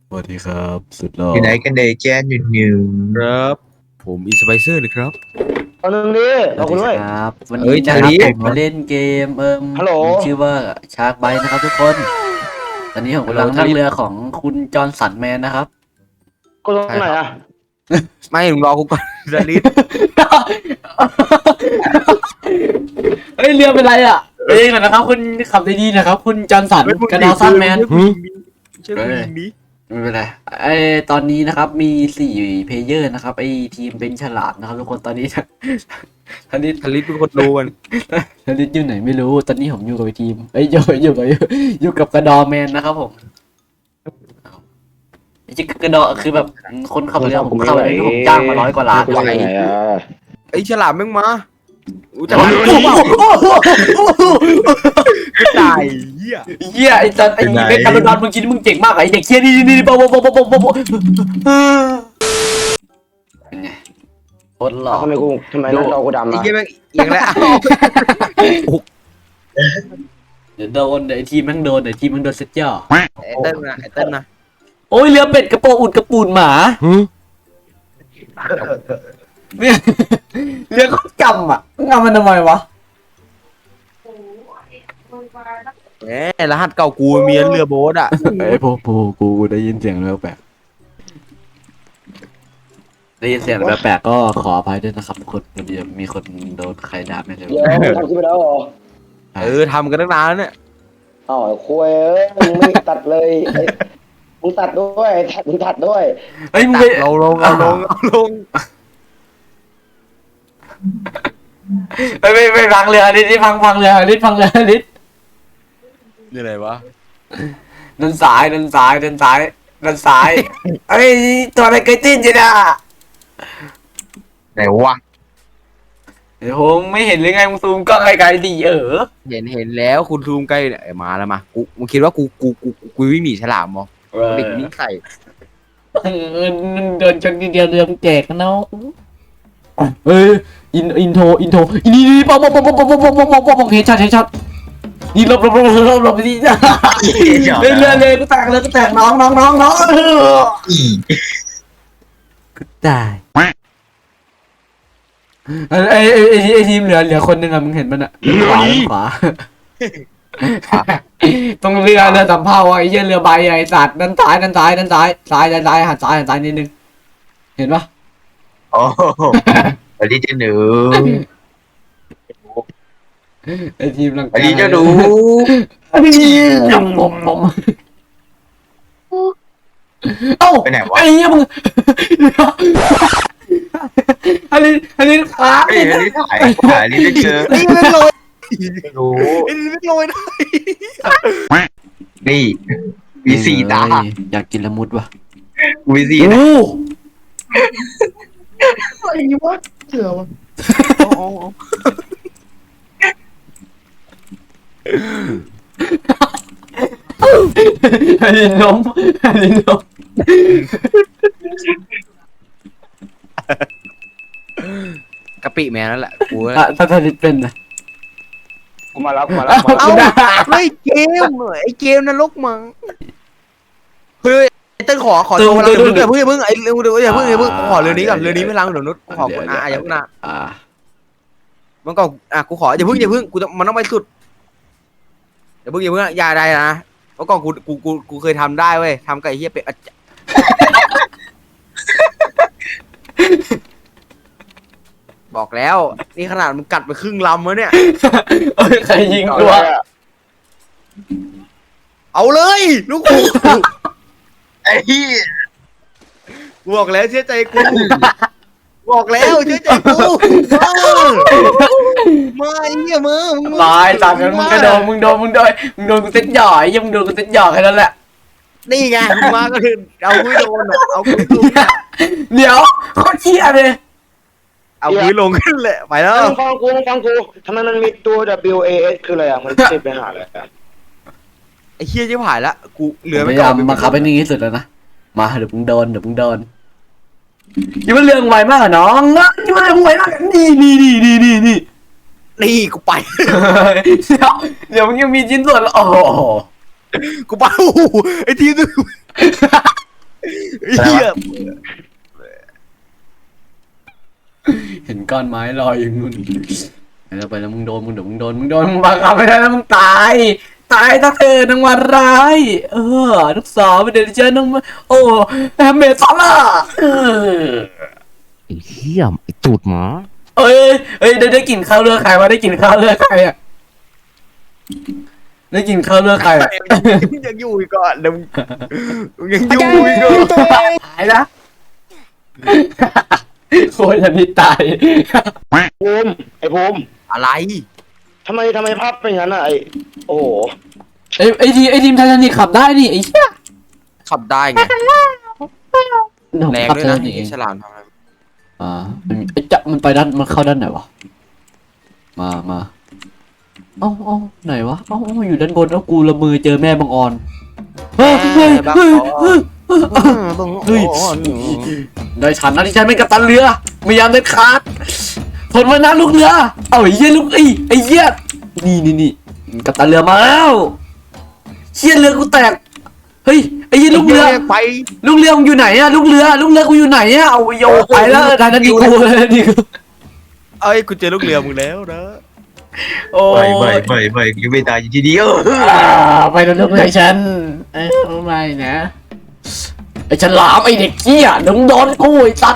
สวัสดีครับสุดหล่ออยู่ไหนกันเดย์แจนอยู่นิวครับผมอินสไปเซอร์นะครับเอาหนึ่งดิสวัสดีเอาคุณด้วยครับวันเอ้นี้ยนะครับชาลีผมมาเล่นเกมฮัลโหลมีชื่อว่าชาร์กไบนะครับทุกคน ตอนนี้ผมกำลังนั่งเรือของคุณจอห์นสันแมนนะครับกดตรงไหนอ่ะไม่มึงรอกูก่อนดาริสเฮ้ยเรือเป็นไรอ่ะเอ้ยก่อนนะครับคุณขับดีๆนะครับ คุณจอห์นสันกระดาวสันแมนเชื่อกูยิงนี้ไม่เป็นไรตอนนี้นะครับมี4เพลเยอร์นะครับทีมเป็นฉลามนะครับทุกคนตอนนี้ ตอนนี้ดาริสเป็นคนดูกันตอนนี้อยู่ไหนไม่รู้ตอนนี้ผมอยู่กับทีมอยู่กับกระดอแมนนะครับผมไอ้กระดอคือแบบคนขับเรือผมเข้าไปผมจ้างมา100 กว่าล้านไหนอ่ะไอ้ฉลามแม่งมาอู้จัโอ้กโหกูตายเหี้ยเหี้ยไอ้จันไอ้เบคกาโดดอนมึงคิดมึงเจ๋งมากไอ้เด็กเชี่ยนี่โป๊ะเป็นไงโคตรหล่อทำไมหน้าจอกูดำไอ้อ่ะเหี้ยแม่งเอียงแล้วเดี๋ยวโดนไอ้ทีมแม่งโดนไอ้ทีมแม่งโดนเซ็ตย่อไอ้เต้นนะไอ้เต้นนะโอ้ยเรือเป็ดกระโปรงอุดกระปูนหมาเนี่ยเรือเขาจำอ่ะงำมันทำไมวะแหมรหัสเก่ากูมีเรือโบ๊ทอ่ะไอ้กูได้ยินเสียงแปลกได้ยินเสียงแปลกก็ขออภัยด้วยนะครับทุกคนเดี๋ยวมีคนโดนใครด่าไม่รู้เดี๋ยวทำขึ้นไปแล้วเหรอทำกันตั้งนานแล้วเนี่ยอ้าวคุยมึงไม่ตัดเลยมึงตัดด้วยมึงตัดด้วยเฮ้ยมึงไปเราลงไปพังเรือนิดนี่พังเรือนิดนี่อะไรวะดันซ้ายเอ้ยตัวอะไรเกยตื้นจีน่ะไหนวะเดี๋ยวผมไม่เห็นหรือไงมึงซูมกล้องไกลๆดิเห็นแล้วคุณซูมใกล้เนี่ยมาแล้วมามึงคิดว่ากูวิ่งหนีฉลามมั้งเด็กวิ่งใส่เดินชนทีเดียวเรือมแจกนะเนาะเอ้ยอินโทรนี่ปองเฮดช็อตนี่หลบไปดิเรือกูแตกน้องอีกูตายไอทีมเหลือคนหนึ่งอะมึงเห็นมันอะขวาตรงเรือสำเภาไอ้เหี้ยเรือใบไอ้สัตว์ด้านซ้ายหันซ้ายนิดนึงเห็นปะโอ้สวัสดีเจ้าหนูไอทีมหลังสวัสดีเจ้าหนูผมเอ้าไปไหนวะไอ้เหี้ยมึงอันนี้ขาเฮ้ยอันนี้ถ่ายอันนี้ได้เจอไอ้ไม่ลอยไม่รู้ไอ้ไม่ลอยนะนี่มีสี่ตาอยากกินละมุดวะมีสี่โอ้อะไรวะเสือวะอันนี้นมกะปิแมนนั่นแหละกูถ้าเป็นนะกูมาแล้วเอ้าไม่เกมไอ้เกมนรกมั้งเฮ้ยไอ้เต้นขอตัวเราอย่าเพิ่งไอ้เร็วอย่าเพิ่งขอเรือนี้ก่อนเรือนี้ไม่ล้างเดี๋ยวนุชขอคนอย่าเพิ่งนะมันก็กูขออย่าเพิ่งกูมันต้องไปสุดอย่าเพิ่งอย่าได้นะเมื่อก่อนกูเคยทำได้เว้ยทำไก่เฮียเป็ดบอกแล้วนี่ขนาดมันกัดไปครึ่งลำแล้วเนี่ยใครยิงตัวเอาเลยลูกกูไอ้เหี้ยบอกแล้วเชื่อใจกูบอกแล้วเชื่อใจกูมาไอ้เหี้ยมึงตายจากนั้นมึงโดนกูเซ็ตหย่อยยังมึงโดนกูเซ็ตหย่อแค่นั้นแหละนี่ไงมึงมาก็คือเอาคุยโดนเอาคุยลงเดี๋ยวโคตรเชี่ยเลยเอาคุยลงขึ้นเลยไปแล้วฟังกูทำไมมันมีตัว WAS คืออะไรอ่ะมันติดไปหาอะไรอ่ะไอ้เหี้ยจะผ่านละกูเหลือพไม่ยาก่ยาอมนมาขับให้นิ่งที่สุดแล้วนะมาเดี๋ยวมึงโดนยิ่งมันเรื่องไวมากอะน้องยิ่งมันเรื่องไวมากนี่นี่กูไปเดี๋ยวมึงยังมีชิ้นส่วนโอ้โหกูไปโอ้โหไอ้ทีมนึงเหี้ยเห็นก้อนไม้ลอยอยู่นู่นไปแล้วมึงโดนมึงเดี๋ยวมึงโดนมึงบังคับไม่ได้แล้วมึงตายถ้าเธอนางวันร้ายลูกสาวเดี๋ยวเจอน้องโอ้แฮมเมดซอล่าไอ้เหี้ยไอ้ตูดหมาเอ้ยได้กลิ่นข้าวเลือดใครวะได้กลิ่นข้าวเลือดใครอ่ะได้กลิ่นข้าวเลือดใครอ่ะยังอยู่อีกก่อนเดี๋ยวมึงยังอยู่อีกก่อนตายนะโคตรจะนี่ตายภูมิไอ้ภูมิอะไรทำไมภาพเป็นอย่างนั้นอ่ะโอ้โหไอทีมไททานิคขับได้นี่ไอ้เหี้ยขับได้ไงแรงขับด้วยนะนี่เอไอ้งฉลามทำอะไรมันไปด้านมันเข้าด้านไหนวะมาเอ้าไหนวะเอ้าอยู่ด้านบนแล้วกูละมือเจอแม่บังออนเฮ้ยได้ฉันนะที่ฉันเป็นกัปตันเรือไม่ยามเด็ดขาดทนไว้นะลูกเรือเอาไอ้เหี้ยลูกไอ้เหี้ยนี่กัปตันเรือมาแล้วเหี้ยเรือกูแตกเฮ้ยไอ้เหี้ยลูกเรือไปลูกเรือมึงอยู่ไหนอะลูกเรือกูอยู่ไหนอะเอาโยไปแล้วทางนั้นดีกูนี่เอ้ยกูเจอลูกเรือมึงแล้วนะโอ้ไม่ยังไม่ตายอยู่ทีเดียวไปแล้วลูกเรือฉันไม่นะไอ้ฉลามไอ้เด็กเกี้ยโดนกูไอ้ตัด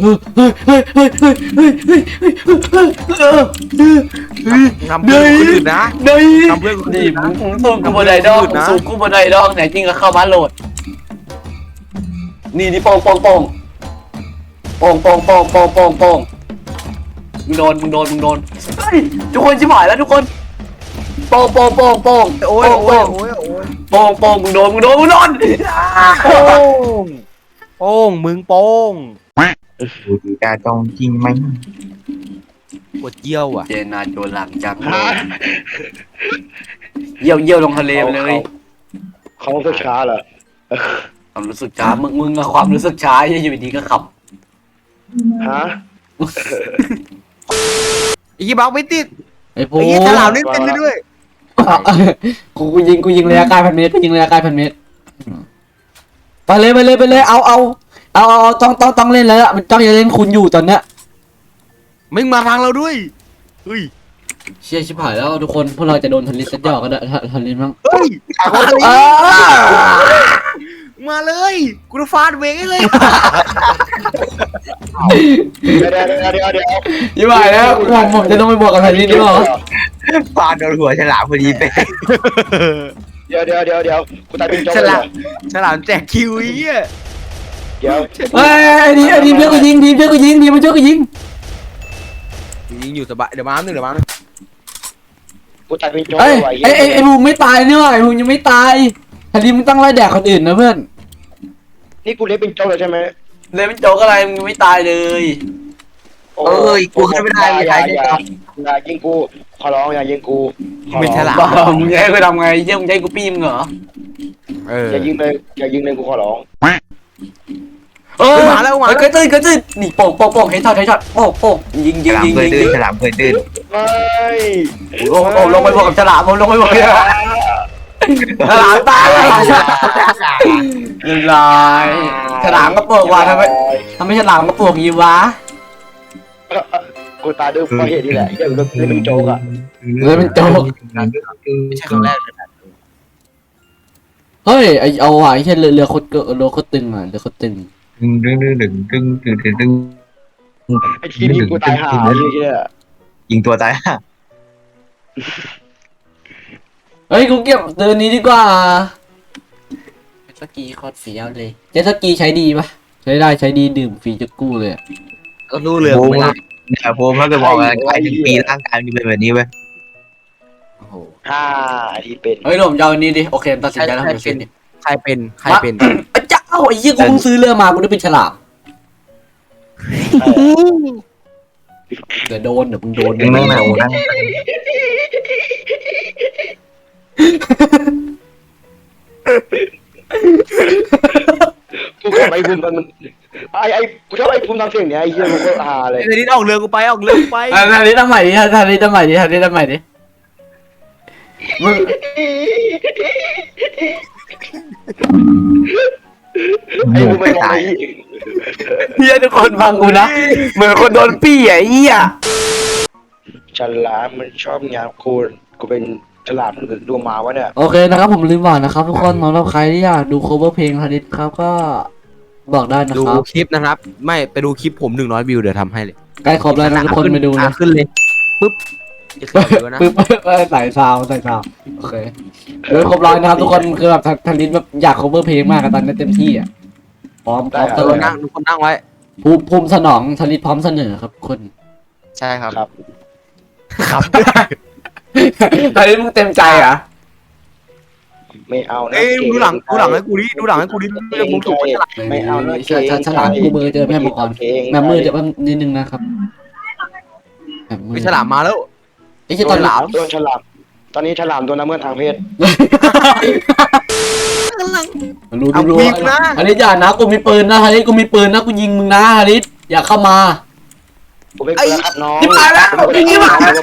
ทำเพื่อนคนอื่นนะนี่ทำเพื่อนคนนี่อื่นนะมึงสู้กูบ่ได้ดอกสู้กูบ่ได้ดอกไหนจริงก็เข้ามาโหลดนี่โป่งมึงโดนเฮ้ยทุกคนชิบหายแล้วทุกคนโป่งโอ้ยมึงโดนโป้งมึงโป้งดูดีตาตองจริงไหมปวดเยี่ยวอ่ะเจนาโจหลังจังเยี่ยวลงทะเลไปเลยเขาก็ช้าเหรอความรู้สึกช้ามึงอะความรู้สึกช้าอยู่ดีก็ขับฮะไอ้ยี่บักไม่ติดไอ้พวไอ้กยี่ฉลามนี่เป็นด้วยกูยิงระยะไกล1,000 เมตรไปเลยเอาต้องเล่นแล้วมันต้องจะเล่นคุณอยู่ตอนเนี้ยมึงมาทางเราด้วยเฮ้ยเชี่ยชิบหายแล้วทุกคนพวกเราจะโดนทันลิสต์ย่อก็ได้ทันลิสต์มั้งเฮ้ยมาเลยกูจะฟาดเวงให้เลยเดี๋ยวชิบหายแล้วผมจะต้องไปบวกกับทันลิสต์หรือเปล่าฟาดโดนหัวฉลามพอดีไปเดี๋ยวกูตายเป็นโจ๊กฉเลยลามฉลามแจกคิวไอ้เหี้ยเดี๋ยวเฮ้ยทีมเพื่อนกูยิงทีมมันช่วยกูยิงยิงอยู่สบายเดี๋ยวมาหนึ่งกูตายเป็นโจ๊กเอ้ยไว้ไอ้บูมไม่ตายนี่หว่าไอ้บูมยังไม่ตายทันลิสต์มึงต้องไล่แดกคนอื่นนะเพื่อนนี่กูเล่นเป็นโจ๊กเลยใช่ไหมเลยเป็นโจกอะไรมึงไม่ตายเลยกูขึ้นไม่ได้เลยอย่ายิงกูขอร้องอย่ายิงกูขอไม่ร้องฉลามบ้ามึงจะให้กูทำไงเยี่ยมงจะให้กูปี้มึงเหรออย่ายิงเลยกูขอร้องมาแล้วเคยตื่นนี่โป่งเฮดช็อตโป่งยิงฉลามเคยตื้นฉลามเคยตื้นเฮ้ยโอ้ลงไปบวกกับฉลามลงไปบวกกับฉลามตายเรียบร้อยฉลามก็ปวกว่ะทำไมฉลามก็ปวกยีวะกูตายด้วยเพราะเหตุนี่แหละยังเล่นเป็นโจ๊กอ่ะไม่ใช่ครั้งแรกเลยนะเฮ้ยเอาว่ะไอ้แค่เรือโคตรตึงอ่ะเรือโคตรตึงดึงไอ้ที่นี่กูตายห่าไอ้เหี้ยยิงตัวตายเฮ้ยกูเก็บเรือนี้ดีกว่าเจ็ตสกีโคตรเฟี้ยวเลยเจ็ตสกีใช้ดีปะใช้ได้ใช้ดีดื่มฟรีจะกู้เลยก็รู้เรือโอ้ไม่โหได้เนี่ยผมเขาจะบอกว่าใครถึงปีร่างกายมันเป็นแบบนี้เว้ยโอ้โหที่เป็นเฮ้ยผมจะเอาอันนี้ดิโอเคตัดสินใจแล้วผมจะซื้อนี่ใครเป็นเจ้าไอ้ยี่กูเพิ่งซื้อเรือมากูได้เป็นฉลามเดี๋ยวมึงโดนนั่งนั่งนั่งกูชอบไอ้ภูมิมันไอ้กูชอบไอ้ภูมิทำเสียงเนี้ยไอ้เหี้ยกูก็ฮาเลยไอ้นี่ออกเรือกูไปทันนี้ทำใหม่ดิทันนี้ทำใหม่ดิมึงไอ้มึงไม่ตายเฮียทุกคนฟังกูนะเหมือนคนโดนปี้อ่ะเฮียฉลามมันชอบงานกูเป็นฉลามหรือดูหมาวะเนี่ยโอเคนะครับผมลืมบอกนะครับทุกคนสำหรับใครที่อยากดู cover เพลงฮาริสครับก็บอกได้นะดูครับคลิปนะครับไม่ไปดูคลิปผม100 วิวเดี๋ยวทำให้เลยใกล้ครบแล้วนะทุกคนไปดูนะขึ้นเลยปึ๊บจะขึ้นเดี๋ยวนะปึ๊บใส่ซาวโอเคเดี๋ยวครบร้อยนะครับทุกคนคือแบบทันลินแบบอยาก cover เพลงมากอะตอนนี้เต็มที่อ่ะพร้อมตทุกลคอน ดนั่งทุกคนนั่งไว้ภูมิสนองทันลินพร้อมเสนอครับคนใช่ครับครับครับทันลินมึงเต็มใจอ่ะไม่เอานะเอ้ยดูหลังให้กูดิดูหลังให้กูดิเรื่องมึงถูกฉลาดไม่เอานะฉลามกูมือเจอแม่มังกรแม่มือเดี๋ยวนิดนึงนะครับแบบมือไม่ฉลามมาแล้วไอ้ที่ตอนหลามโดนฉลามตอนนี้ฉลามโดนละเมิดทางเพศรู้เอารู้ยิงนะฮาริสอย่านะกูมีปืนนะฮาริสกูมีปืนนะกูยิงมึงนะฮาริสอย่าเข้ามาผมไม่กลัวครับน้องนี่มาแล้วนี่มาแล้ว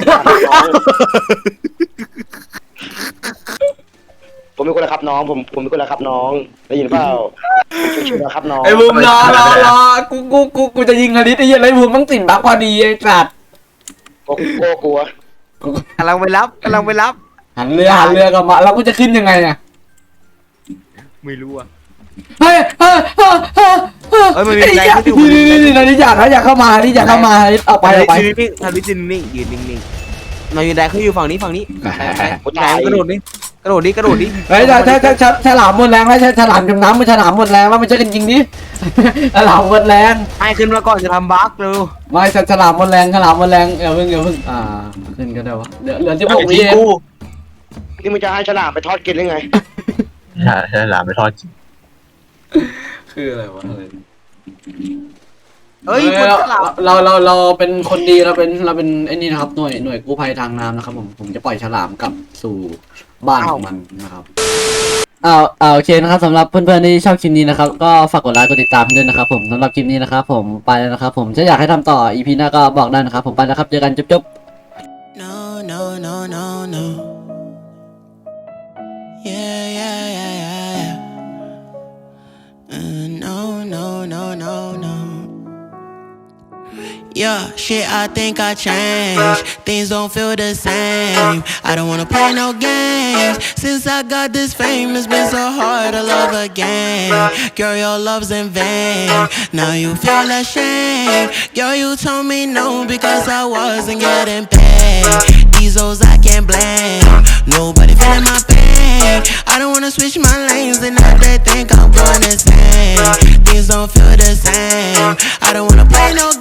ผมไม่กลัวครับน้องผมไม่กลัวครับน้องได้ยินเปล่าชิวๆนะครับน้องไอ้บูมรอกูจะยิงฮาริสไอ้เหี้ยไรบูมต้องติดบักพอดีไอ้สัตว์กลัวกำลังไปรับหันเรือกลับมาแล้วกูจะขึ้นยังไงอ่ะไม่รู้อ่ะเฮ้ยมันมีอะไรที่นี่ฮาริสอย่าเข้ามาฮาริสอย่าเข้ามาฮาริสออกไปนิ่งทำวิจินนิ่งยืนนิ่งๆมายืนได้เขาอยู่ฝั่งนี้กระโดดดิกระโดดดิเฮ้ยฉลามหมดแรงแล้วฉลามจมน้ำมันฉลามหมดแรงว่ามันจะกันจริงดิฉลามหมดแรงให้ขึ้นมาก่อนจะทำบั๊กเร็วไม่ฉลามหมดแรงอย่าเพิ่งขึ้นก็ได้วะเหลือ16 วิเองนี่มึงจะให้ฉลามไปทอดกินหรือไงใช่หลามไปทอดจริงคืออะไรวะอะไรเฮ้ยเราเป็นคนดีเราเป็นไอ้นี่นะครับหน่วยกู้ภัยทางน้ำนะครับผมจะปล่อยฉลามกลับสู่บ้านของมันนะครับโอเคนะครับสำหรับเพื่อนๆที่ชอบคลิปนี้นะครับก็ฝากกดไลค์กดติดตามด้วยนะครับผมสำหรับคลิปนี้นะครับผมไปแล้วนะครับผมถ้าอยากให้ทำต่อ EP หน้าก็บอกได้นะครับผมไปแล้วครับเจอกันจุ๊บ No, no, no, no, no. Yeah. No, no, no, no, no. Yeah, shit, I think I changed. Things don't feel the same. I don't wanna play no games. Since I got this fame, it's been so hard to love again. Girl, your love's in vain. Now you feel ashamed. Girl, you told me no because I wasn't getting paid. These hoes I can't blame. Nobody feeling my pain. I don't wanna switch my lanes and now they think I'm going insane. Things don't feel the same. I don't wanna play no